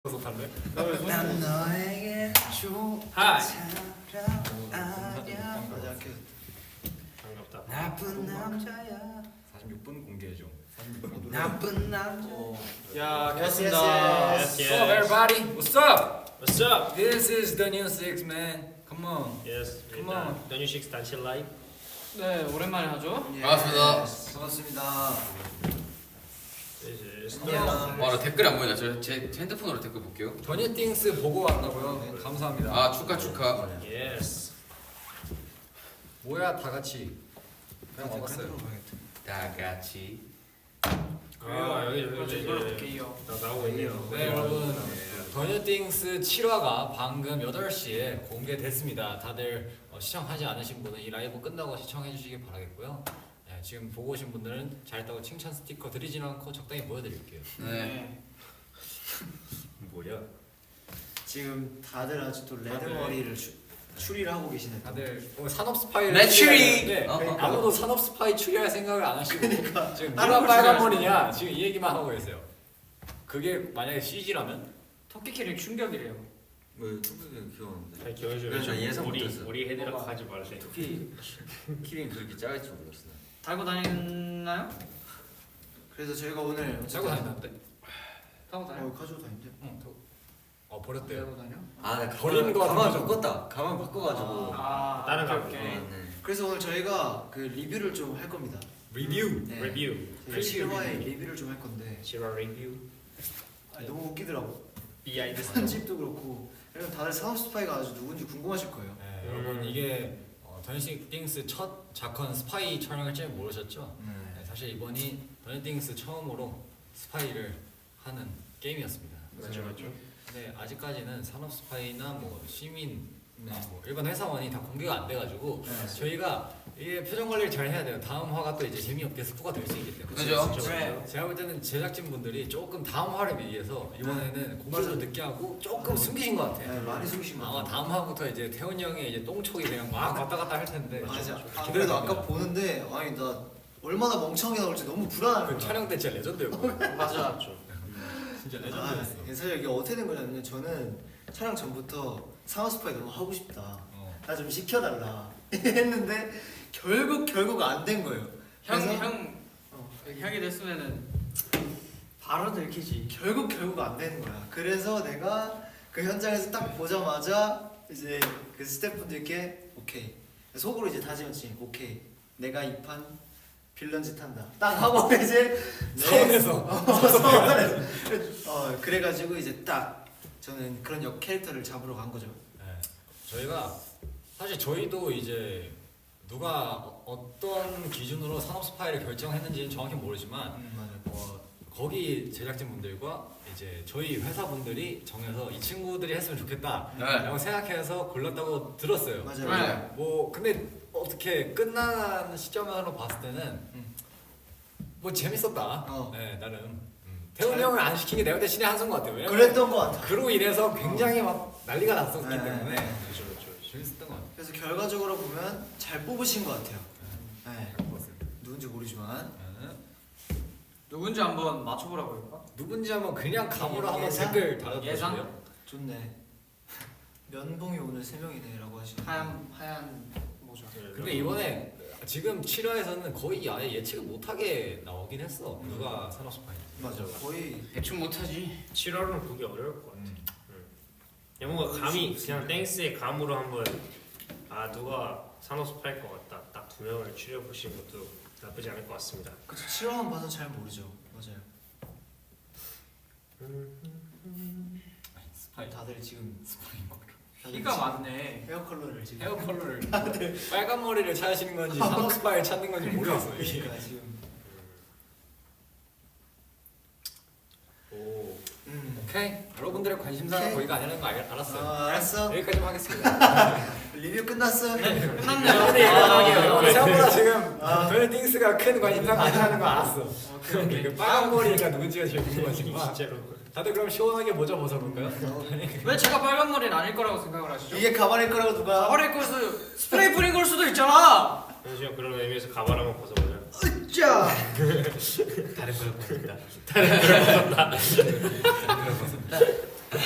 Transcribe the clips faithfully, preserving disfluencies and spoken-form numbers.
난 너에게 좋잖아. 반갑다. 나쁜 남자야. 사십육 분 공개해 줘. 나쁜 남자. 야, Yes, 반갑습니다. yes, yes. What's up, everybody? What's up? What's up? This is the new six man. Come on. Yes. Come 일단 on. 더뉴식스 단체 라이브. 네, 오랜만에 하죠. 반갑습니다. 반갑습니다. This is 야. 와, 나 댓글 안 보인다. 저 제 핸드폰으로 댓글 볼게요. 더뉴띵스 보고 왔다고요? 네, 감사합니다. 아, 축하 축하. Yes. 뭐야 다 같이. 그냥 와봤어요. 다 같이. 아 여기 여기 이제 이걸로 볼게요. 나 나오고 있네요. 네 여러분, 더뉴띵스 칠 화가 방금 여덟 시에 공개됐습니다. 다들 어, 시청하지 않으신 분은 이 라이브 끝나고 시청해 주시길 바라겠고요. 네, 지금 보고 오신 분들은 잘했다고 칭찬 스티커 드리진 않고 적당히 보여드릴게요. 네. 뭐야? 지금 다들 아직도 레드 머리를 추, 추리를 하고 계시네. 다들 뭐 산업 스파이를 내 추리! 네, 어, 어. 아무도 산업 스파이 추리할 생각을 안 하시고 그러니까 지금 다른 누가 걸 빨간 추리하시네. 머리냐 지금 이 얘기만 하고 계세요. 그게 만약에 씨지라면 토끼 캐릭 충격이래요. 왜 토끼는 귀여운데? 아니 기원이 그래, 저 예상 우리 못했어요. 우리 헤드락 하지 말래. 토끼 키링 그렇게 작을 줄 몰랐어. 달고 다니나요? 그래서 저희가 오늘 자고 다닌다는데? 타고 다녀. 어, 가지고 다닌대. 응. 어 버렸대요. 달고 다녀? 아, 나 버리는 거 가만 같은 바꿨다. 가만 바꿔가지고. 아, 다른 오케이, 거 오케이. 네, 네. 그래서 오늘 저희가 그 리뷰를 좀 할 겁니다. 리뷰. 네. 리뷰. 저희 칠 화의 리뷰를 좀 할 건데 지라 리뷰. 아니, 너무 웃기더라고. 비하인드 스토리. 편집도 그렇고. 여러분 다들 산업 스파이가 아주 누군지 궁금하실 거예요. 네, 음. 여러분 이게 어, 더뉴띵스 첫 작건 스파이 촬영을 줄 모르셨죠? 네, 사실 이번이 더뉴띵스 처음으로 스파이를 하는 게임이었습니다. 맞죠 맞죠. 근데 아직까지는 산업 스파이나 뭐 시민, 뭐 일반 회사원이 다 공개가 안 돼가지고 네. 저희가 이게 표정 관리를 잘 해야 돼요. 다음 화가 또 이제 재미없게 스포가 될 수 있기 때문에. 그죠? 그렇죠, 네. 그렇죠. 제가 볼 때는 제작진 분들이 조금 다음 화를 위해서 이번에는 공개도 늦게 하고 조금 숨기신 것 같아요. 네, 많이 숨기신 것 아마 같아요. 다음 화부터 이제 태훈이 형의 이제 똥촉이 그냥 막 왔다 갔다 할 텐데. 맞아. 좀 아, 기대가 그래도 됩니다. 아까 보는데 아니 나 얼마나 멍청하게 나올지 너무 불안한 그 거야. 촬영 때 진짜 레전드였거든요. 맞아. 진짜 아, 레전드였어. 사실 이게 어떻게 된 거냐면 저는 촬영 전부터 산업 스파이 너무 하고 싶다. 어. 나 좀 시켜달라 했는데 결국 결국 안 된 거예요. 형, 그래서 형, 어, 형이 됐으면은 바로 들키지. 결국 결국 안 되는 거야. 그래서 내가 그 현장에서 딱 보자마자 이제 그 스태프분들께 오케이 속으로 이제 다짐했지. 오케이 내가 이 판 빌런 짓 한다. 딱 하고 이제 네. 서운해서. 어, 서운해서. 어 그래가지고 이제 딱 저는 그런 역 캐릭터를 잡으러 간 거죠. 네. 저희가 사실 저희도 이제 누가 어- 어떤 기준으로 산업 스파이를 결정했는지는 정확히 모르지만 맞아요. 어, 거기 제작진 분들과 이제 저희 회사 분들이 정해서 이 친구들이 했으면 좋겠다라고 네. 생각해서 골랐다고 들었어요. 맞아요. 네. 뭐 근데 어떻게 끝나는 시점으로 봤을 때는 음. 뭐 재밌었다. 어. 네 나름 음. 태훈이 잘- 형을 안 시킨 게 내가 볼 때 신의 한 수인 것 같아요. 왜냐면 그랬던 것 같아. 그로 인해서 굉장히 막 난리가 났었기 네. 때문에 그렇죠 그렇죠. 재밌었던 것 같아요. 그래서 결과적으로 보면 잘 뽑으신 것 같아요. 네. 누군지 모르지만 네. 누군지 한번 맞춰보라고 할까? 누군지 한번 그냥 감으로 한번 예상? 댓글 달아주세요. 예상? 좋네. 면봉이 오늘 세 명이네라고 하시네. 하얀 하얀 모자. 근데 이번에 지금 칠 화에서는 거의 아예 예측을 못하게 나오긴 했어. 누가 산업 스파이인지. 맞아. 거의 대충 못하지. 칠 월은 보기 어려울 것 같아. 음. 야, 뭔가 감이 그냥 땡스의 감으로 한번 아 누가 산업 스파일 것 같다. 딱 두 명을 추려 보시는 것도 나쁘지 않을 것 같습니다. 그쵸. 실험만 봐서 잘 모르죠. 맞아요. 스파이. 다들 지금 스파이 머리. 다들 키가 지금 많네. 헤어 컬러를 지금. 헤어 컬러를 빨간 머리를 찾으시는 건지 산업 스파이를 찾는 건지 모르겠어 이게. 그러니까 지금. 오. 음. 오케이. 여러분들의 관심사가 오케이. 거기가 아니라는 거 알, 알았어요. 아, 알았어. 여기까지만 하겠습니다. 리뷰 끝났어. 끝났네요. 네, 아, 생각보다 지금 아. 더뉴띵스가 큰 관심사가 아니라는 거 알았어. 오케이, 오케이. 그 빨간 머리가 누군지가 제일 궁금하지만 진짜로. 다들 그럼 시원하게 모자 벗어볼까요? 왜 제가 빨간 머리는 아닐 거라고 생각을 하시죠? 이게 가발일 거라고 누가? 가발일 걸 수도 스프레이 뿌린 걸 수도 있잖아. 현수형 그런 의미에서 가발 한번 벗어보자. 으쌰. 다른 걸 벗었다. 다른 걸 벗었다. 다른 걸 벗었다.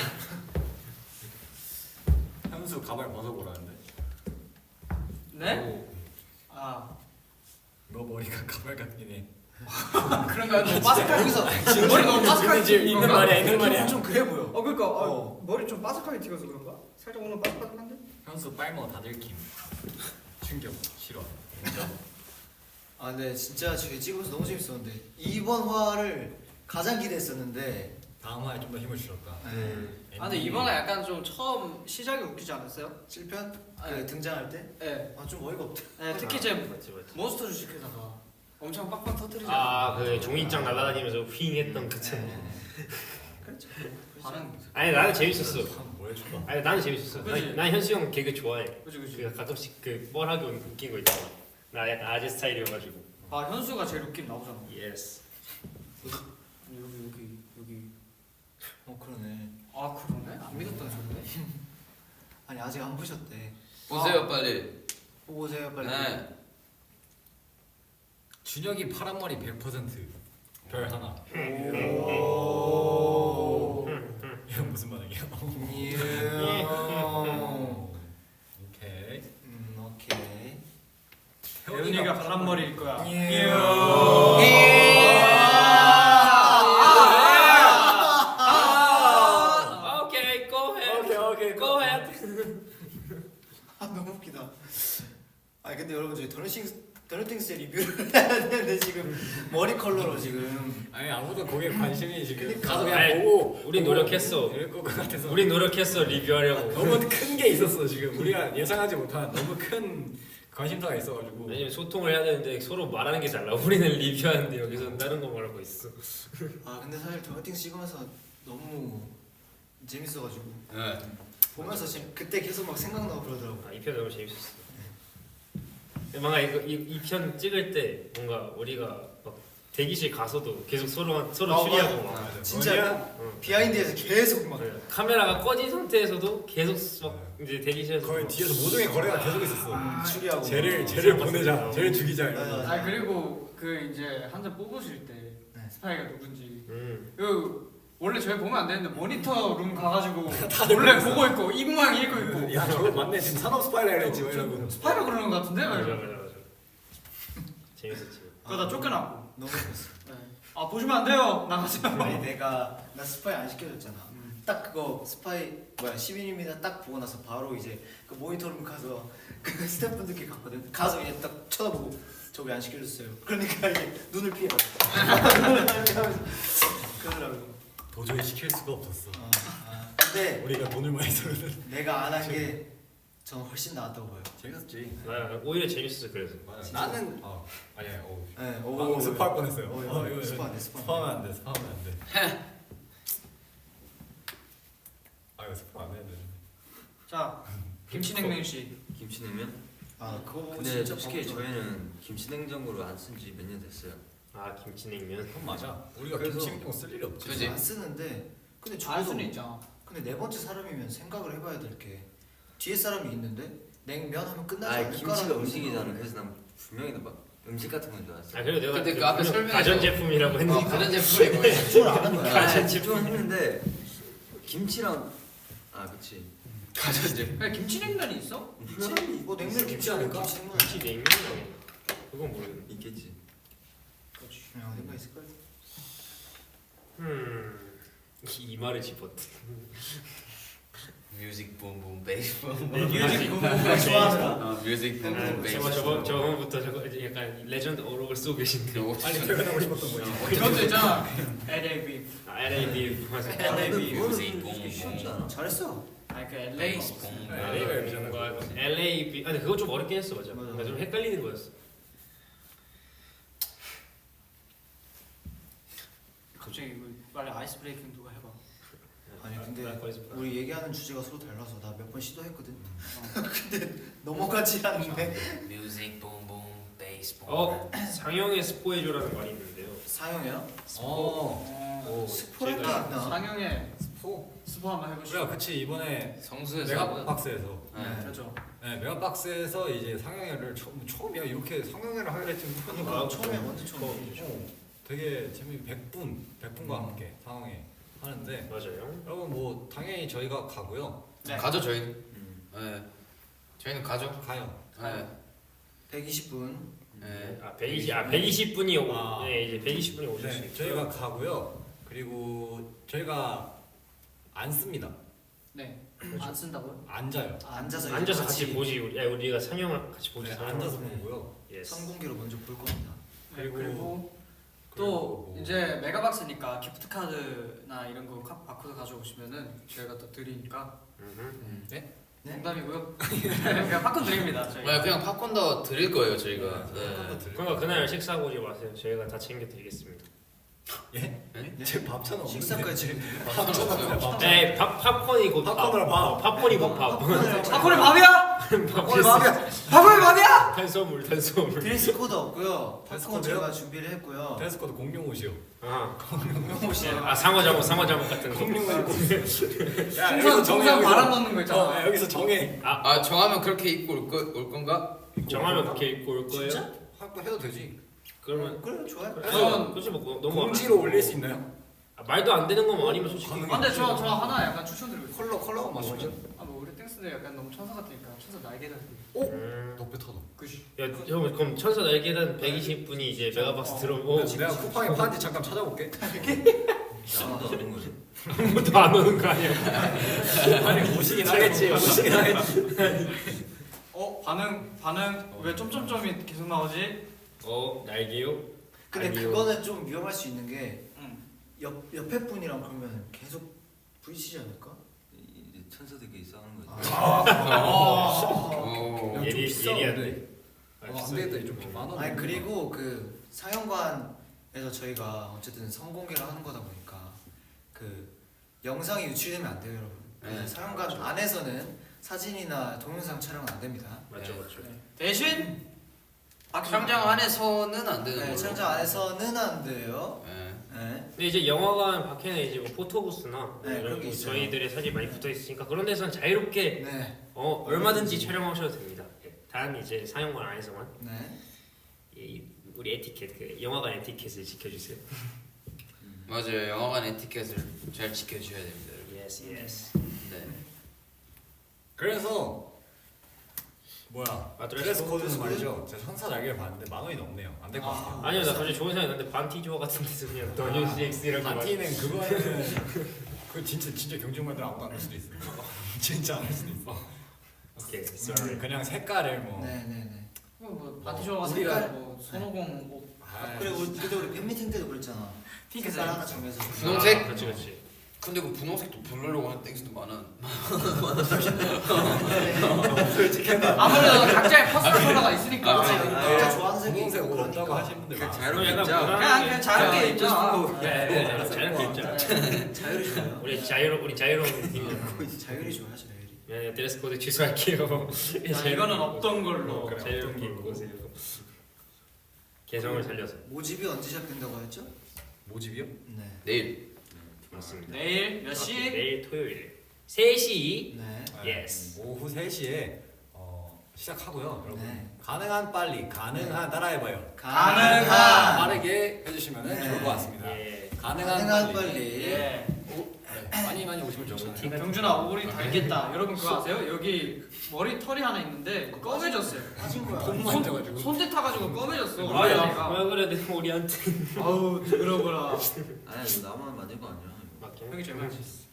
그런가 너무 바삭하게 거기서 머리 너무 바삭하게 있는 튀긴 있는 건가? 말이야 있는 말이야. 좀 그래 보여. 어 그러니까 아, 어. 머리 좀 바삭하게 튀겨서 그런가? 살짝 오늘 바삭바삭한데? 현수 빨머 다 들킴. 충격 싫어. 아, 네, 진짜 저희 찍으면서 너무 재밌었는데 이번 화를 가장 기대했었는데. 다음 화에 좀 더 힘을 주었다. 네. 아 근데 이번에 약간 좀 처음 시작이 웃기지 않았어요? 칠 편 그 네. 등장할 때, 네. 아 좀 어이가 없다. 네 특히 아, 제 맞지 맞지. 몬스터 주식회사가 엄청 빡빡 터뜨리지 아그 종이장 날아다니면서 휘잉 했던 그 네. 참. 그렇죠. 반응 아니 나는 재밌었어. 뭐 해줄까? 아니 나는 재밌었어. 그치? 난, 난 현수 형 개그 좋아해. 그치 그치 그 가끔씩 그 뻘하게 웃긴 거 있잖아. 나 약간 아재 스타일이어가지고. 아 현수가 제일 웃긴 나오잖아 예스. 여기 여기 여기 어 그러네. 아 그러네? 안 믿었던 소리네 아니 아직 안 보셨대. 보세요 빨리. 보고 오세요 빨리. 네. 준혁이 파란 머리 백 퍼센트. 별 하나. 오. 이건 무슨 반응이야? 예. 오케이. 음 오케이. 태훈이가 파란 머리일 거야 예. 아, 오케이, go ahead. 오케이 오케이. Go ahead. 아 너무 웃기다. 아 근데 여러분 저희 더너싱 더너팅스 리뷰를 해야 되는데 지금 머리 컬러로 지금. 아니 아무도 거기에 관심이 지금 그러니까. 가서 그냥 아니, 보고 우린 보고 노력했어. 이럴 것 같아서. 우린 노력했어 리뷰하려고. 너무 큰 게 있었어 지금. 우리가 예상하지 못한 너무 큰 관심사가 있어가지고. 왜냐면 소통을 해야 되는데 서로 말하는 게 달라. 우리는 리뷰하는데 여기서 다른 거 말하고 있어. 아 근데 사실 더너팅스 찍으면서 너무 재밌어가지고 네. 보면서 지금 그때 계속 막 생각나고 그러더라고. 아, 이 편 너무 재밌었어. 뭔가 이거 이 편 찍을 때 뭔가 우리가 막 대기실 가서도 계속 서로 서로 어, 추리하고 맞아. 막. 진짜 응. 비하인드에서 계속 막. 그래. 카메라가 꺼진 상태에서도 계속 막 이제 대기실에서 거의 막 뒤에서 모종의 거래가 계속 있었어. 음, 추리하고. 쟤를 막. 쟤를 보내자. 쟤를 죽이자. 맞아, 이러면서. 맞아. 아 그리고 그 이제 한 잔 뽑으실 때 네. 스파이가 누군지 음. 그 원래 저희 보면 안 되는데 모니터 룸 가가지고 몰래 보고 있고 이 모양 읽고 있고 야 저거 맞네. 지금 산업 스파이라 그랬지. 뭐 이러고. 스파이가 그러는 것 같은데? 맞아 막 맞아 이러고. 맞아. 재밌었지. 그러다 쫓겨났고 너무 재밌어. 네. 아 보시면 안 돼요 나가세요 아니 내가 나 스파이 안 시켜줬잖아. 음. 딱 그거 스파이 뭐야 십일 일입니다 딱 보고 나서 바로 이제 그 모니터룸 가서 그 스태프분들께 갔거든. 가서 그냥 딱 쳐다보고 저 왜 안 시켜줬어요. 그러니까 이게 눈을 피해가지고 그러더라고. 도저히 시킬 수가 없었어. 어, 아, 근데 우리가 돈을 많이 쓰거든. 내가 안 한 게 전 훨씬 나았다고 봐요. 재밌었지. 나 오히려 재밌었어 그래서. 진짜? 나는 어 아니야. 어. 네, 방금 스파할 뻔했어요. 어, 어, 어, 이거 스파 안 돼, 스파 안 돼. 스파하면 안 돼. 스파하면 안 돼. 아 이거 스파 안 되는데. 자 김치냉면 씨 김치냉면? 아 그거 보고 근데 진짜 솔직히 바보죠. 저희는 김치냉장고를 안 쓴 지 몇 년 됐어요. 아 김치냉면. 그건 맞아. 우리가 그래서- 김치냉장 쓸 일이 없지. 그지? 안 쓰는데 근데 알 저도 수는 있잖아 근데 네 번째 사람이면 생각을 해봐야 될 게 뒤에 사람이 있는데 냉면 하면 끝나지 아 않을까라는 김치가 음식이잖아. 생각을 그래서 난 분명히 막 음식 같은 건 줄 알았어. 아 그리고 내가 근데 그 그 앞에 분명 설명해서- 가전 제품이라고 어, 했는데. 가전 제품이 뭐예요? 집중을 안한 거야. 아, 집중을 했는데 김치랑 아 그치. 가전 제품. 그냥 김치냉면이 있어? 있지? 뭐 냉면 김치 않을까? 김치 냉면 김치냉면. 그건 모르겠네. 있겠지. 그렇지. 야, 어딘가 있을 거야. 음. 이 말을 집었대. 뮤직 붐붐 베이스 붐. 뮤직 부분을 좋아하더라. 어, 뮤직 붐붐 베이스. 저거 저번 저번부터 저거 이제 약간 레전드 어록을 쓰고 계신데. 빨리 퇴근하고 싶었던 거야. 그것도 있잖아 엘에이 아, 엘에이비 맞아. 엘에이비 그거는 뮤직 솔직히 쉬웠지 붐붐. 않아? 잘했어. 아니 그 엘에이 베이스 붐. 엘에이가 여기잖아. 뭔가 엘에이비. 아니 그거 좀 어렵긴 했어 맞아. 맞아. 뭔가 좀 헷갈리는 거였어. 갑자기 이거 빨리 아이스 브레이킹 누가 해봐 아니 근데 나 거기서 봐. 우리 얘기하는 주제가 서로 달라서 나 몇 번 시도했거든. 근데 넘어가지 않는데. 뮤직 붐붐 베이스 붐. 어 상영의 스포해줘라는 말이 있는데요. 사형이야? 어. 오, 스포할 게 제가 있나? 상영의 스포. 스포 한번 해보시죠 우리가 그치 이번에 성수에서 메가박스에서. 네. 그렇죠 네 메가박스에서 이제 상영회를 처음 처음이야 이렇게 상영회를 하게 될지 그러니까 아, 처음에 그래. 완전 처음이지. 어, 되게 재미 백 분 백 분과 함께 상영회 하는데 맞아요. 여러분 뭐 당연히 저희가 가고요. 네. 가죠 저희는. 음. 네. 저희는 가죠. 가요. 네. 백이십 분. 네. 아 백이십 아 백이십 분이 오, 아. 네 이제 백이십 분이 오실 수 네, 있어요. 저희가 가고요. 그리고 저희가 안 씁니다. 네. 안 쓴다고요? 앉아요. 앉아서 이제 앉아서 같이 보지 우리 아, 우리가 상영을 같이 보지. 네, 상영을. 앉아서 네. 보고요. 예스. 선공개로 먼저 볼 겁니다. 네, 그리고- 그리고 또 그리고 뭐- 이제 메가박스니까 기프트 카드나 이런 거 카- 바코드 가져오시면은 저희가 또 드리니까 음흠. 네? 농담이고요. 그냥 팝콘 드립니다. 저희. 네, 그냥 팝콘도 드릴 거예요 저희가. 네. 네. 그러니까 그날 식사 오지 마세요. 저희가 다 챙겨 드리겠습니다. 제 밥차는 없는데. 식사까지 밥차는 없어요. 밥차. 네, 팝 팝콘이 곧 팝콘으로 밥. 어, 팝콘이 곧 밥. 팝콘의 밥이야? 팝콘이 밥이야. 팝콘의 밥이야? 탄수화물 탄수화물. 드레스 코드 없고요. 드레스 팝콘 코드요? 제가 준비를 했고요. 드레스 코드 공룡 옷이요. 아, 공룡 옷이 아 상어 잠옷 상어 잠옷 같은 거. 공룡 옷 입고. 야, 풍선 여기서 정해, 풍선 여기서. 바람 넣는 거 어, 있잖아. 야, 여기서 정해. 아 정하면 그렇게 입고 올, 거, 올 건가? 정하면 그렇게 입고 올 거예요? 진짜? 확보 해도 되지. 그러면 그래 좋아요. 그래서 그렇지 뭐 너무 공지로 올릴 수 있나요? 아, 말도 안 되는 거면 아니면 솔직히 가능해. 아, 근데 저, 저 하나 약간 추천드리고 있어요. 컬러 컬러가 맞죠? 아, 뭐 우리 땡스들 약간 너무 천사 같으니까 천사 날개다. 음. 높여터도. 그지. 야, 형 그럼 천사 날개단 백이십 분이 이제 메가박스 들어오고 내가 쿠팡에 파는지 잠깐 찾아볼게. 아무도 안 오는 거지. 아무도 안 오는 거 아니야? 아니 오시긴 하겠지. 오시긴 하겠지. 어 반응 반응 왜 점점점이 계속 나오지? 어 날개요? 근데 아니요. 그거는 좀 위험할 수 있는 게 응. 옆, 옆에 분이랑 그러면 계속 부딪히지 않을까? 이제 천사들끼리 싸우는 거지. 오. 좀 예리 비싸, 예리한데. 어, 안 되겠다. 좀 만 원. 아니 그리고 그 상영관에서 저희가 어쨌든 성공개를 하는 거다 보니까 그 영상이 유출되면 안 돼요 여러분. 네. 네, 상영관 안에서는 사진이나 동영상 촬영은 안 됩니다. 맞죠 네. 맞죠. 대신 촬영 안에서는 안 되는 네, 걸로. 촬영 안에서는 안 돼요. 네. 네. 근데 이제 영화관 밖에는 이제 뭐 포토부스나 네, 이런 그런 게 뭐 있어요. 저희들의 사진 많이 붙어 있으니까 그런 데서는 자유롭게 네. 어 얼마든지 촬영하셔도 됩니다. 예, 단 이제 상영관 안에서만 네. 이, 우리 에티켓 그 영화관 에티켓을 지켜주세요. 맞아요. 영화관 에티켓을 잘 지켜주셔야 됩니다. 여러분. 예스 예스. 네. 그래서 뭐야? 아, 드레스 코드는 드레스 코드? 말이죠. 제가 천사 날개를 봤는데 만 원이 넘네요. 안 될 것 같아요. 아니요 나 갑자기 좋은 생각 났는데 반티 조어 같은 데서 그냥 더뉴스 엑스라고 바티는 그거는 그 진짜 진짜 경쟁만들 아무도 안 할 수도 있어요. 진짜 안 할 수도 있어. 오케이 음, sorry. 그냥 색깔을 뭐. 네네네. 뭐 바티쇼가 우리가- 색깔 뭐 손오공 뭐 아, 그리고 우리- 그때 우리 팬미팅 때도 그랬잖아. 핑크색. 색깔 하나 정해서. 분홍색? 아, 그렇지 그렇지. 근데 그 분홍색도 부르려고 하는 땡스도 많아. 아무래도 각자의 퍼스널 컬러가 있으니까. 아, 그렇지. 아, 각자 아, 좋아하는 색이 분홍색 있고 옷 없다고 그러니까. 하시는 분들 그 많아요. 자유롭게 약간 입자. 무난하게 그냥 그냥 자유롭게 야, 입자. 네, 네, 네, 자유롭게 입자. 자율이 좋아요. 우리 자유로 우리 자유로운 팀이잖아. 자율이 좋아하죠 자율이. 네, 드레스 코드 취소할게요. 자, 이거는 없던 걸로. 그래, 자유롭게 입고 오세요. 개성을 살려서. 모집이 언제 시작된다고 했죠? 모집이요? 네. 내일. 맞습니다. 내일 몇 시? 내일 토요일 세 시. 네. Yes. 오후 세 시에 어, 시작하고요. 여러분 네. 가능한 빨리 가능한 따라해봐요. 가능한. 빠르게 해주시면 네. 좋을 것 같습니다. 예. 가능한, 가능한 빨리. 빨리. 예. 네, 많이 많이 오시면 좋습니다. 경준아 오리 달겠다. 여러분 그거 아세요? 여기 머리 털이 하나 있는데 검해졌어요. 빠진 거야. 돈 손, 만져가지고. 손대 타가지고 검해졌어. 아, 야, 머리가. 왜 그래 내 머리한테. 아우 더러워라. 아니 너 나만 만들 거 아니야. 맞긴 형이 제일 많이 맞긴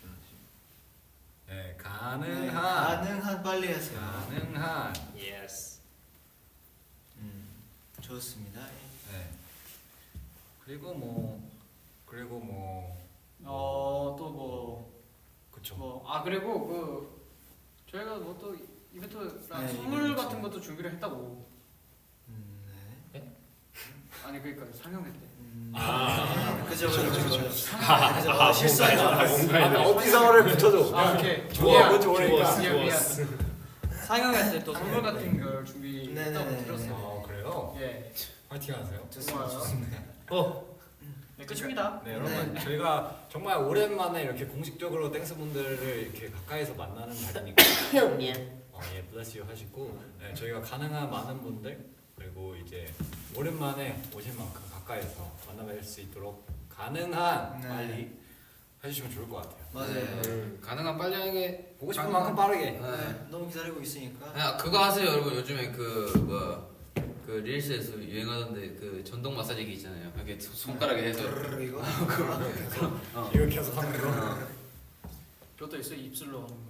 네, 네, 가능한 가능한 빨리 하세요. 가능한 예스. 음, 좋습니다. 네. 그리고 뭐 그리고 뭐 어또 뭐 그쵸. 뭐 아 그리고 그 저희가 뭐 또 이벤트랑 네, 선물 이벤트. 같은 것도 준비를 했다고. 음, 네. 아니 그러니까 상영회 때. 음, 아. 그죠 그죠 그죠. 아, 그죠. 아, 실수한 줄 알았어. 뭔가에 아, 어디서를 붙여줘. 아 오케이. 좋아, 미안. 뭔지 모르니까. 좋았어, 미안, 미안. 좋았어. 상영회 때 또 선물 같은 걸 준비했다고 네네네. 들었어요. 아 그래요? 예. 화이팅 하세요. 좋습니다. 좋아요. 좋습니다. 어, 네 끝입니다. 네 여러분 저희가 정말 오랜만에 이렇게 공식적으로 땡스 분들을 이렇게 가까이서 만나는 날이니까 어, 예 bless you 하시고 네, 저희가 가능한 많은 분들 그리고 이제 오랜만에 오실 만큼 가까이서 만나뵐 수 있도록 가능한 네. 빨리 해주시면 좋을 것 같아요. 맞아요. 음. 가능한 빨리 하게. 보고 싶은 만큼 빠르게. 네, 너무 기다리고 있으니까. 야, 그거 하세요 여러분. 요즘에 그 뭐 그 릴스에서 유행하던데 그 전동 마사지기 있잖아요. 이렇게 손- 손가락에 해서 브르르 이거. 어. 이거 계속 하는 거. 어. 그것도 있어 입술로 하는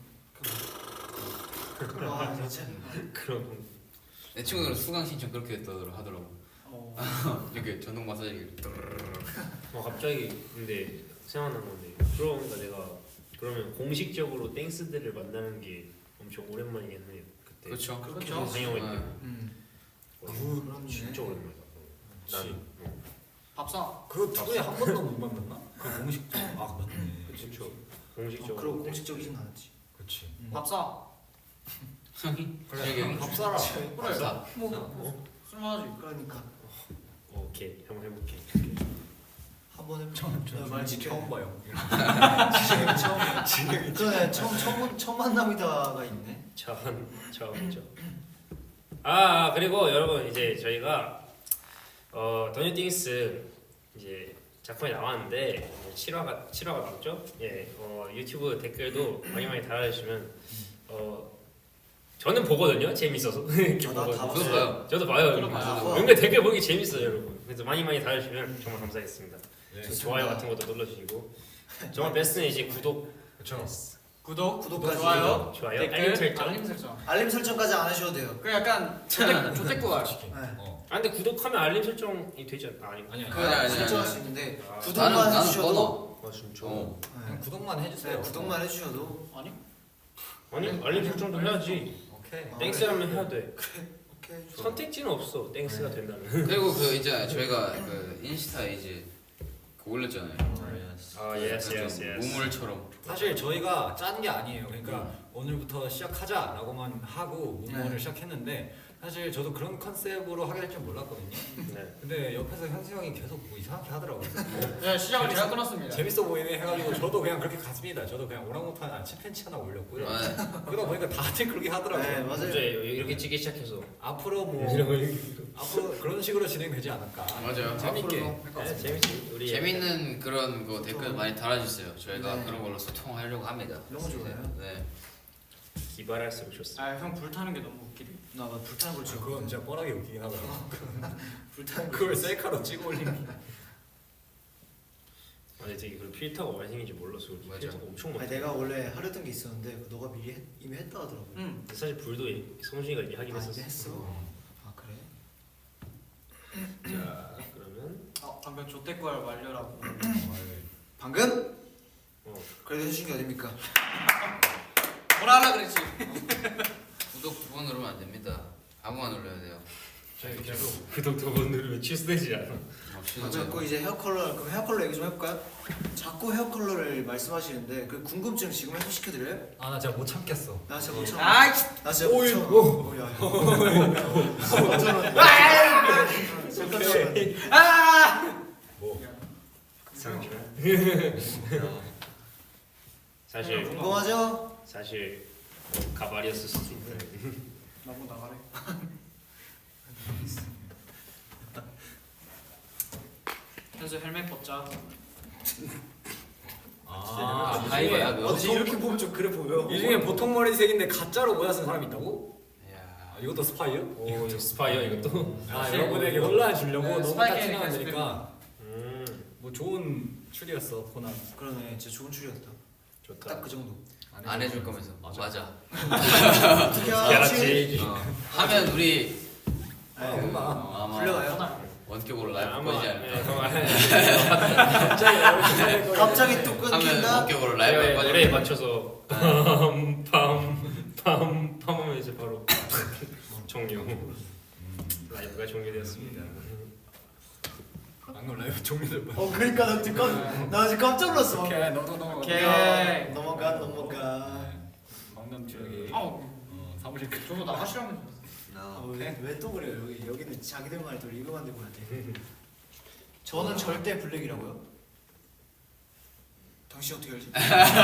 거. 와 진짜. 그런 내 친구들은 수강 신청 그렇게 했더라 하더라고. 어. 이렇게 전동 마사지기. 어, 갑자기 근데 생각난 건데 그러니까 내가 그러면 공식적으로 땡스들을 만나는 게 엄청 오랜만이겠네요. 그때 그렇죠. 그렇죠. 상영회 때 음. 거의 그렇네. 진짜 오랜만이다. 난 어, 밥상. 그거 두 분이 한 번도 못 만났나? 그 공식적. 아 맞네. 그렇죠. 어, 공식적으로. 그리고 공식적이진 않았지. 그렇지. 밥상. 형이? 그래. 재혁이 형이? 밥 사라. 그래. 사. 뭐 술 마지. 그러니까 오케이 한번 해볼게. 한 번 해보자. 처음 네, 말 지켜. 처음 봐요. 지금 처음. 그러네 처음 처음 첫 만남이다가 있네. 처음 처음이죠. 아, 아 그리고 여러분 이제 저희가 어 더뉴띵스 이제 작품이 나왔는데 칠 화가 칠 화가 나왔죠? 예, 어, 유튜브 댓글도 많이 많이 달아주시면 어 저는 보거든요. 재밌어서. 이렇게 아, 나다 보거든요. 봤어요. 저도 봐요. 저도 봐요. 저도 봐요. 은근 댓글 보기 재밌어요, 여러분. 그래서 많이 많이 달아주시면 정말 감사하겠습니다. 네. 좋아요 같은 것도 눌러주시고 정말 베스트는 이제 구독, 그렇죠. 구독, 구독까지. 좋아요, 좋아요, 댓글, 알림 설정. 알림 설정. 알림 설정까지 안 하셔도 돼요. 그 약간 조택 조택구알. 솔직히. 네. 어. 아 근데 구독하면 알림 설정이 되지 않나? 아니 아니 그 아니. 아니, 아니, 설정할 아니. 수 있는데 아, 구독만 나는 나는 해주셔도 번호. 아 진짜? 어. 네. 그냥 구독만 해주세요. 네, 구독만 해주셔도 아니? 아니 알림 설정도 해야지. 오케이. 어. 땡스라면 해야 돼. 오케이. 선택지는 없어. 땡스가 네. 된다면. 그리고 그 이제 저희가 그 인스타 이제 그 올렸잖아요. 아 예스 약간 예스 좀 예스. 우물처럼. 사실 저희가 짠 게 아니에요. 그러니까 오늘부터 시작하자라고만 하고 문문을 네. 시작했는데 사실 저도 그런 컨셉으로 하게 될 줄 몰랐거든요. 네. 근데 옆에서 현수 형이 계속 뭐 이상하게 하더라고요. 네, 시작을 제가 끊었습니다. 재밌어 보이네 해가지고 저도 그냥 그렇게 갔습니다. 저도 그냥 오랑우탄 아, 칠팬치 하나 올렸고요. 아, 그러다 보니까 다들 그렇게 하더라고요. 네 맞아요. 이제 이렇게 찍기 시작해서. 앞으로 뭐 앞으로 그런 식으로 진행되지 않을까. 맞아요. 재밌게 앞으로 할 것 네, 같습니다. 재밌지. 우리 재밌는 그런 거 댓글 많이 달아주세요. 저희가 네. 그런 걸로 소통하려고 합니다. 너무 좋아요. 네. 기발할수록 좋습니다. 아, 형 불타는 게 너무 웃기네. 나 막 불타는 걸 저 찍어. 그건 진짜 뻔하게 웃기긴 하더라고. 불타는 걸 그걸 셀카로 찍어 올린 게. 아니 되게 그 필터가 많이 생긴지 몰랐어. 우리 맞아. 필터가 엄청 아니 많아. 내가 원래 하려던 게 있었는데 그거 너가 미리 했, 이미 했다 하더라고. 응. 근데 사실 불도 성준이가 이미 하긴 아, 했었어. 이제 했어. 아 그래? 자 그러면 어, 방금 조택구알 완료라고. 방금? 어. 그래도 해주신 게 어딥니까? 뭐라 하려 그랬지? 구독 두 번 누르면 안 됩니다. 아무나 눌러야 돼요. 저희 계속 구독 두 번 누르면 취소되지 않아. 어, 아, 자꾸 이제 헤어 컬러 그럼 헤어 컬러 얘기 좀 해볼까요? 자꾸 헤어 컬러를 말씀하시는데 그 궁금증 지금 해소시켜드려요? 아나 진짜 못 참겠어. 나 진짜 못 참아. 아이, 나 진짜 못 오이, 참아. 오. 오, 야, 야. 잠깐 오케이. 아! 뭐. 사실 궁금하죠? 사실 가발이었을 수도 있다. 나보고 나가래. 현수 헬멧 벗자. 아, 아, 이거야, 어, 그거? 근데 이렇게 보면 좀 그래 보여. 이 중에 보통 머리색인데 가짜로 모자 쓴 사람이 있다고? 이야. 아, 이것도 스파이요? 오 스파이어 이것도. 아, 사실 여러분에게 뭐- 혼란 주려고 네, 너무 스파이 딱 캐릭터 티나면 스피드. 되니까 음 뭐 좋은 추리였어 코난. 그러네, 진짜 좋은 추리였다. 좋다. 딱 그 정도. 안 해줄 거면서. 맞아. 맞아. 어떻게 야지. 어. 하면 우리 아, 네. 혼나. 어, 아마 불려가요? 원격으로 라이브 아마 꺼지지 예, 않을까. 갑자기 갑자기 또 하면 끊긴다. 원격으로 라이브 노래 꺼지지 노래에 않을까. 맞춰서 빰빰빰빰 하면 이제 바로 종료. 라이브가 종료되었습니다. 방금 라이브 종료될 뻔. 어, 그러니까 나 지금 깜, 나 지금 깜짝 놀랐어. 오케이 너도 넘어가. 오케이. 넘어가, 넘어가. 방금 저기 아우, 어, 사무실 그 저도 나가시라면. 아, 왜또 그래요? 여기 여기는 자기들만의 또 리그 만들고 해야 돼. 저는 절대 블랙이라고요. 당신 어떻게 알지?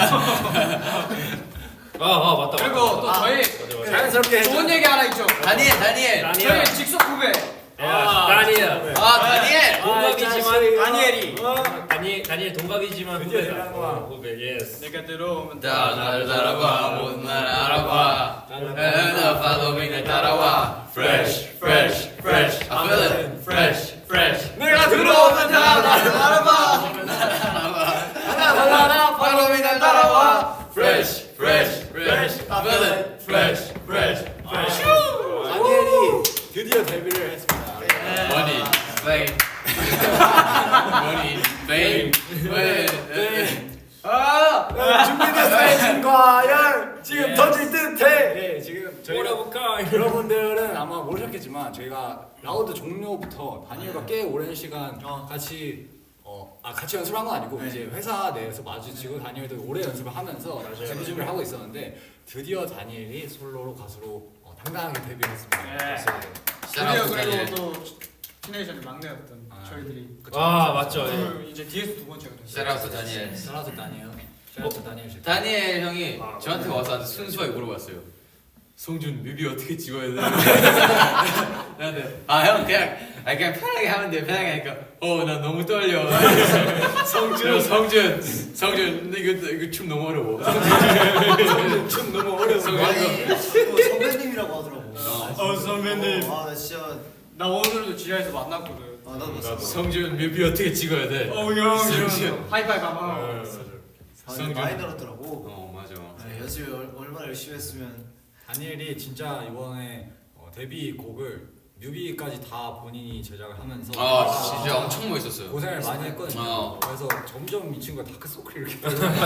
아, 아 맞다. 그리고 맞다. 또 아, 저희 맞아, 맞아. 자연스럽게 좋은 얘기 하나 있죠. 다니엘, 다니엘. 저희 직속 후배. 야, 다니엘. 아, 다니엘. 동갑이지만 다니엘이. 다니엘 다니엘 동갑이지만 드디어 후배다. 얘기하는 거야. 어, 후배 예스. 내가 들어오면 다 나를 따라와, 못날 알아봐. 나 파도민을 따라와. Fresh, fresh, fresh. 그러면 fresh, fresh. 내가 들어오면 다 나를 알아봐. 하나 바로 날 따라와. Fresh, fresh, fresh. 그러면 fresh, fresh, fresh. 다니엘이 드디어 데뷔를 했습니다. money, fame, money, fame, fame. 아, 준비됐어요, 과열. 지금 Yes. 던질 듯해. 네, 지금 저희가 뭐라볼까? 여러분들은 아마 모르셨겠지만 저희가 라우드 종료부터 다니엘과 꽤 오랜 시간 같이 어, 아 같이 연습을 한 건 아니고 네. 이제 회사 내에서 마주치고 다니엘도 오래 연습을 하면서 맞아요. 데뷔 준비를 하고 있었는데 드디어 다니엘이 솔로로 가수로 어, 당당하게 데뷔했습니다. 네. Shout 드디어 out to 그리고 Daniel. 또 시네이션의 막내였던 아, 저희들이 아 맞죠. 예. 그 이제 뒤에서 두 번째가 됐어요. Shout out to Daniel. 샤라트 다니엘, 샤라트 다니엘 씨. 다니엘 형이 아, 저한테 와서 아주 순수하게 물어봤어요. 성준 뮤비 어떻게 찍어야 돼? 나한테 아형 그냥 아 그냥 편하게 하면 돼 편하게 하니까 어 나 너무 떨려. 성준 성준 성준 근데 이거 이거 춤 너무 어려워. 성준 춤 너무 어려워. 성준 아니 이거 또 선배님이라고 하더라고. 어, 선배님. 아나 진짜 나 오늘도 지하에서 만났거든. 아 나도 나도. 성준 뮤비 어떻게 찍어야 돼? 어형 성준. 이러면서 하이파이브 어, 하면 맞아. 아, 성준. 많이 늘었더라고. 어 맞아. 네, 연습 얼- 얼마나 열심히 했으면. 다니엘이 진짜 이번에 어, 데뷔 곡을 뮤비까지 다 본인이 제작을 하면서 아 진짜 엄청 멋있었어요. 고생을 많이 했거든요. 어. 그래서 점점 이 친구가 다크서클이 이렇게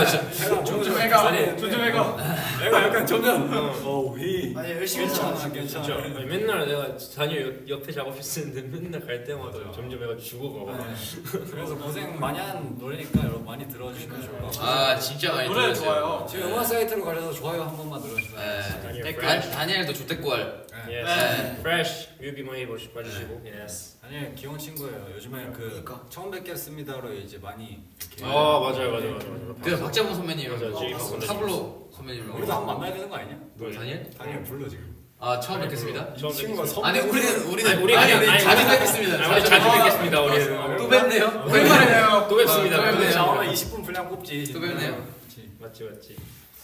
점점 해가 아니, 점점 해가 내가 약간 점점 어휘 아니 열심히 괜찮아 했잖아. 괜찮아. 진짜 아니, 맨날 내가 다니엘 옆- 옆에 작업했었는데 맨날 갈 때마다 맞아. 점점 애가 죽어가. 네. 그래서 고생 많이 한 노래니까 여러분 많이 들어주시면 좋을 것 같아요. 아 진짜 많이 노래 들었어요. 좋아요. 지금 음악 사이트로 가셔서 좋아요 한 번만 눌러주세요. 네. 다니엘 댓글 fresh. 다니엘도 조태꾸알. 네. Yes. 네. fresh. 뮤비 많이 보시 봐주시고. Yes. 다니엘 귀여운 친구예요. 요즘에 그 그러니까. 처음 뵙겠습니다로 이제 많이 이렇게 아 맞아요 맞아요 맞아요. 그 박재범 선배님이랑 맞아요, 제이 어, 박사님. 타블로 선배님이랑 우리도 한번 만나야 되는 거 아니냐? 뭐 다니엘? 다니엘 불러 지금. 아 처음 뵙겠습니다. 처음 친구가 뵙겠습니다. 선- 아니 우리는 우리는 아니, 우리 아니, 그냥- 아니, 자주 우리- 뵙겠습니다. 아, 우리 자주 뵙겠습니다 우리는. 또 뵙네요. 오랜만이네요. 또 뵙습니다. 또 뵙네요. 자 오늘 이십 분 분량 뽑지. 또 뵙네요. 그렇지. 맞지 맞지.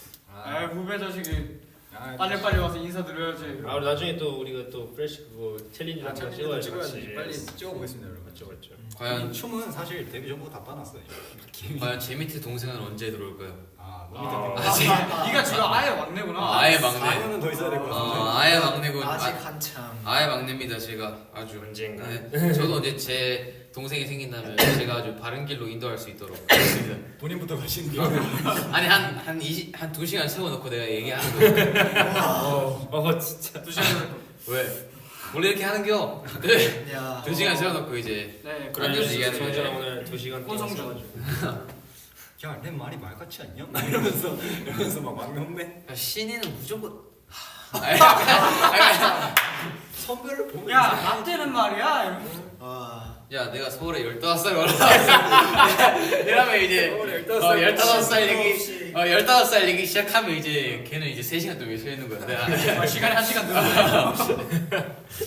아 후배 자식이 아, 빨리 빨리 와서 인사드려야지. 아 우리 나중에 또 우리가 또 프레시 그거 챌린지 아, 한번 챌린지도 찍어야지. 찍어야지. 빨리 찍어보겠습니다 여러분. 맞죠 맞죠. 과연 이 춤은 사실 데뷔 전부터 다 빠놨어요. 과연 제 밑에 동생은 언제 들어올까요? 아 아. 너무 아, 지금 네가 지금 아예 막내구나. 아예 막내. 사 년은 더 있어야 될 것 같은데. 어, 아예 막내고 아직 아, 한참. 아예 막내입니다 제가 아주. 언젠가. 네. 저도 이제 제 동생이 생긴다면 제가 아주 바른 길로 인도할 수 있도록 하겠습니다. 본인부터 가시는 게. 아니 한한 이십 한 두 시간 세워놓고 내가 얘기하는 거예요. 어 진짜. 두 시간. 왜? 원래 이렇게 하는겨. 네. 야. 두 시간 세워놓고 이제 네. 그런 데서 얘기하는 성준아 거예요. 오늘 두 시간 동안 혼성준. 써가지고. 야내 말이 말 같지 않냐? 막 이러면서 이러면서 막 막내 혼내. 야, 신인은 무조건. 아니, 아니, 아니, 선배를 보면. 야, 나 때는 말이야. 이러면서. 아. 야 내가 서울에 열다섯 살 올라왔어. 이러면 이제 서울에 어, 열다섯 살 얘기 없이. 어 열다섯 살 얘기 시작하면 이제 걔는 이제 세 시간 동안 서 있는 거야. 내가 아, 시간이 한 시간 늘었네.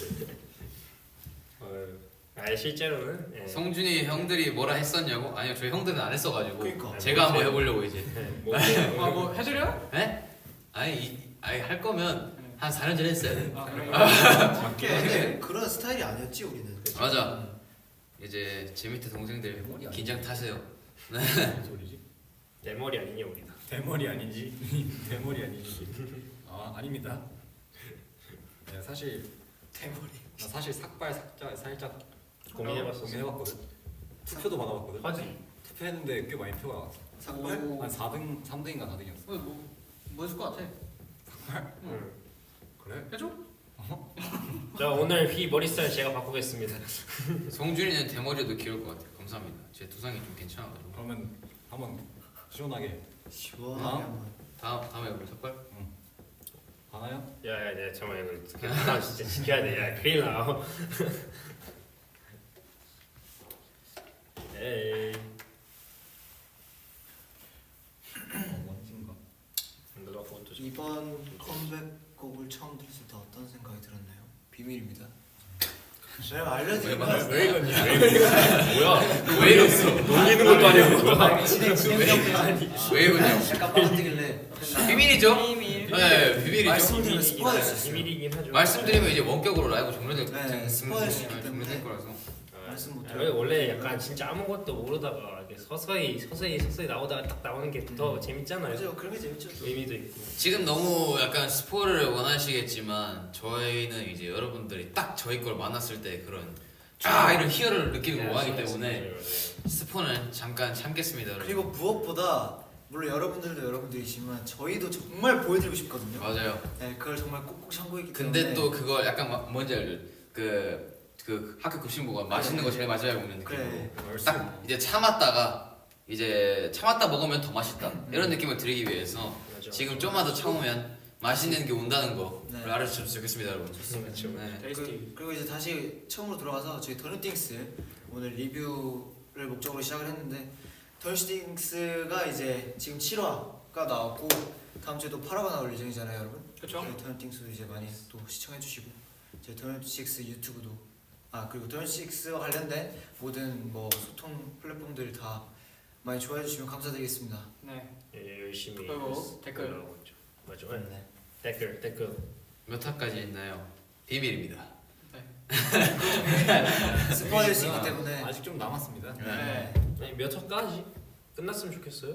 어, 아 실제로는. 예. 성준이 형들이 뭐라 했었냐고? 아니요 저희 형들은 안 했어가지고 그러니까. 제가 한번 해보려고 이제. 예, 뭐, 아, 뭐 해드려? 에? 아니 이, 아니 할 거면 한 사 년 전에 했어야 돼. 아, 그래. 근데 그런 스타일이 아니었지 우리는. 맞아. 이제 제 밑에 동생들 긴장 타세요. 무슨 소리지? 내 머리 아니냐 우리가. 대머리 아닌지 대머리 아닌지. 아 아닙니다. 네 사실 대머리. 나 사실 삭발 삭자 살짝 고민해봤었어. 고민해봤거든. 투표도 받아봤거든. 하지. 투표했는데 꽤 많이 표가 나왔어. 삭발? 한 사 등 삼 등인가 사 등이었어. 뭐, 뭐, 뭐 있을 것 같아? 응. 그래? 해줘? 자 오늘 휘 머리 스타일 제가 바꾸겠습니다. 성준이는 대머리도 귀여울 것 같아요. 감사합니다. 제 두상이 좀 괜찮아가지고. 그러면 한번 시원하게 시원하게 아? 한번. 다음 다음에 우리 삭발. 하나요? 야야 야 잠깐만 이거 나 진짜 지켜야 돼. 야 큰일 나. 에이. 어, 뭔진가. 너가 그것도 좀. 이번 컴백곡을 처음 들었을 때 어떤 생각이 들었나요? 비밀입니다. 왜냐면 알려드리면 왜 이거냐? 왜 이거냐? 뭐야? 왜 이랬어? 놀리는 것도 아니고 뭐야? 아니 진행 진행 아니 왜 이러냐? 약간 빠뜨길래 비밀이죠? 비밀. 네, 비밀이죠. 말씀드리면 스포할 수 있어요. 비밀이긴 하죠. 말씀드리면 이제 원격으로 라이브 종료될 네, 스포할 수 있기 때문에. 종료될 거라서. 말씀 못 아, 왜 원래 약간 진짜 아무것도 모르다가 이렇게 서서히 서서히 서서히 나오다가 딱 나오는 게 더 재밌잖아요. 맞아요. 그런 게 재밌죠. 의미도 있고. 지금 너무 약간 스포를 원하시겠지만 저희는 이제 여러분들이 딱 저희 걸 만났을 때 그런 아 이런 희열을 느끼는 걸 원하기 때문에 맞아요, 맞아요. 스포는 잠깐 참겠습니다, 여러분. 그리고 무엇보다 물론 여러분들도 여러분들이지만 저희도 정말 보여드리고 싶거든요. 맞아요. 네, 그걸 정말 꼭꼭 참고했기 때문에. 근데 또 그걸 약간 마- 뭔지 알죠? 그, 그 학교 급식부가 맛있는 거 제일 마지막에 먹는 느낌으로 그래. 딱 이제 참았다가 이제 참았다 먹으면 더 맛있다 이런 느낌을 드리기 위해서 맞아. 지금 좀만 더 참으면 맛있는 게 온다는 거를 네. 알아주셨으면 좋겠습니다, 여러분. 그렇죠. 네. 그, 그리고 이제 다시 처음으로 돌아가서 저희 더뉴띵스 오늘 리뷰를 목적으로 시작을 했는데 더뉴띵스가 이제 지금 칠 화가 나왔고 다음 주에 또 팔 화가 나올 예정이잖아요, 여러분. 그쵸. 저희 더뉴띵스도 이제 많이 또 시청해주시고 저희 더뉴식스 유튜브도 아 그리고 더뉴식스와 관련된 모든 뭐 소통 플랫폼들 다 많이 좋아해 주시면 감사드리겠습니다. 네. 예, 열심히 그리고 댓글. 올라오고 있죠. 맞죠. 네. 네. 댓글 댓글. 몇 화까지 있나요? 비밀입니다. 스포일 수 있기 때문에 아직 좀 남았습니다. 네. 아니 몇 화까지 끝났으면 좋겠어요.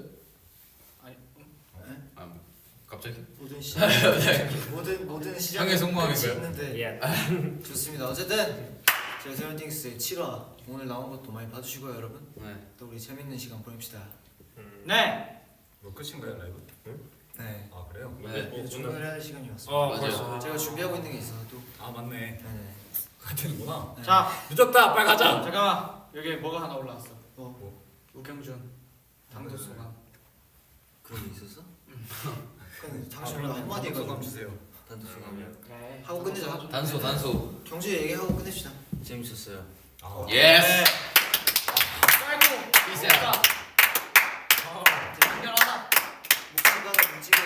아, 뭐, 갑자기? 모든 시작 모든 모든 시작 향해 성공하겠어요? 있는데 예. 좋습니다. 어쨌든 저희 더뉴띵스의 칠 화 오늘 나온 것도 많이 봐주시고요, 여러분. 네. 또 우리 재밌는 시간 보냅시다. 음. 네. 뭐 끝인가요 라이브? 네. 아 그래요? 네. 뭐, 이제 종료를 해야 할 시간이 왔습니다. 어, 맞아요. 벌써. 제가 준비하고 있는 게 있어서 또. 아 맞네. 네네. 가야 되는구나. 네. 자, 늦었다. 빨리 가자. 잠깐만. 여기 뭐가 하나 올라왔어. 뭐 뭐? 우경준. 당도수가. 그런 게 있었어? 그럼 당신 아, 한마디 해가지고 주세요. 단도 소감. 그래. 하고 끝내자. 단소, 단소. 경주 얘기하고 끝냅시다. 재밌었어요. 아. 예스! 짧고. 이세. 멋있다. 연결하다. 목소리가 움직여.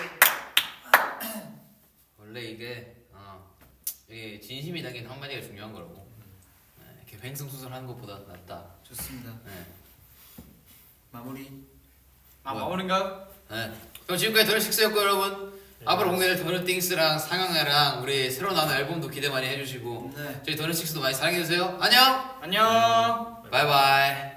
원래 이게 어, 이게 진심이 담긴 한마디가 중요한 거라고. 네, 이렇게 횡성수설하는 것보다 낫다. 좋습니다. 네. 마무리. 아, 뭐야? 마무리인가요? 네. 그럼 지금까지 더뉴식스였고 여러분 앞으로 공개될 더뉴띵스랑 상영회랑 우리 새로 나오는 앨범도 기대 많이 해주시고 네. 저희 더뉴식스도 많이 사랑해주세요. 안녕. 안녕. 바이바이.